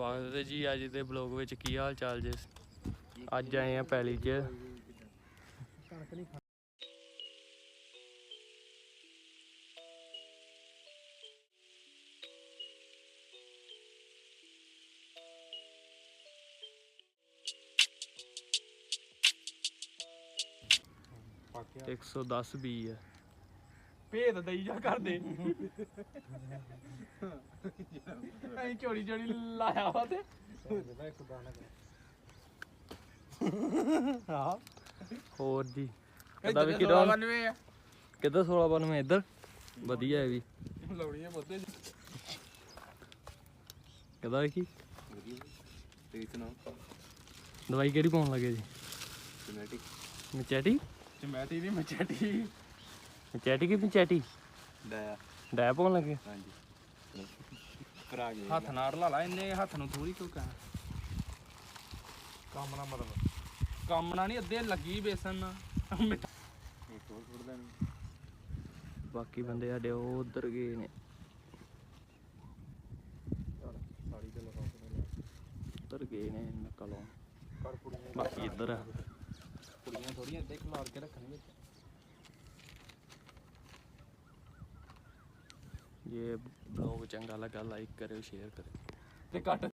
ਸਵਾਗਤ ਹੈ ਜੀ ਅੱਜ ਦੇ ਬਲੌਗ ਵਿੱਚ। ਕੀ ਹਾਲ ਚਾਲ ਜੇ? ਅੱਜ ਆਏ ਆ ਪੈਲੀ 'ਚ। ਤੇ 110 ਬੀ ਹੈ। ਭੇਦ ਦਈ ਜਾ ਕਰਦੇ ਅਸੀਂ ਚੋਰੀ ਚੋਰੀ ਲਾਇਆ ਵਾ ਤੇ ਹਾਂ ਹੋਰ ਜੀ ਕਿੱਦਾਂ ਵੀ ਕਿਦਾਂ ਕਿੱਦਾਂ 1692 ਇੱਧਰ ਵਧੀਆ ਹੈ ਵੀ ਲਾਉਣੀਆਂ ਬਹੁਤੇ ਕਿੱਦਾਂ ਵੇਖੀ ਤੇ ਸੁਣਾ ਦਵਾਈ ਕਿਹੜੀ ਪਾਉਣ ਲੱਗੇ ਜੀ? ਜੈਨੇਟਿਕ ਮਚੈਟੀ ਚਮੈਟੀ ਨਹੀਂ ਮਚੈਟੀ ਮਚੈਟੀ ਕਿ ਮਚੈਟੀ ਡੈ ਪਾਉਣ ਲੱਗੇ? ਹਾਂਜੀ ਭਰਾ ਗਏ ਹੱਥ ਨਾਲ ਲਾ ਲਾ ਇੰਨੇ ਹੱਥ ਨੂੰ ਥੋੜੀ ਕਿਉਂ ਕਹਿ ਕੰਮ ਨਾ ਮਤਲਬ ਕੰਮ ਨਾ ਨਹੀਂ ਅੱਧੇ ਲੱਗੀ ਬੇਸਨ ਨਾਲ ਬਾਕੀ ਬੰਦੇ ਸਾਡੇ ਉਹ ਉਧਰ ਗਏ ਨੇ। ਉੱਧਰ ਗਏ ਨੇ ਨੱਕਾ ਲਾਉਣ। ਬਾਕੀ ਇੱਧਰ ਆ ਕੁੜੀਆਂ ਥੋੜੀਆਂ ਇੱਦਾਂ ਖਿਲਾਰ ਕੇ ਰੱਖਣੀ ਵਿੱਚ। ਜੇ ਬਲੌਗ ਚੰਗਾ ਲੱਗਾ ਲਾਈਕ ਕਰਿਓ ਸ਼ੇਅਰ ਕਰਿਓ ਤੇ ਕੱਟ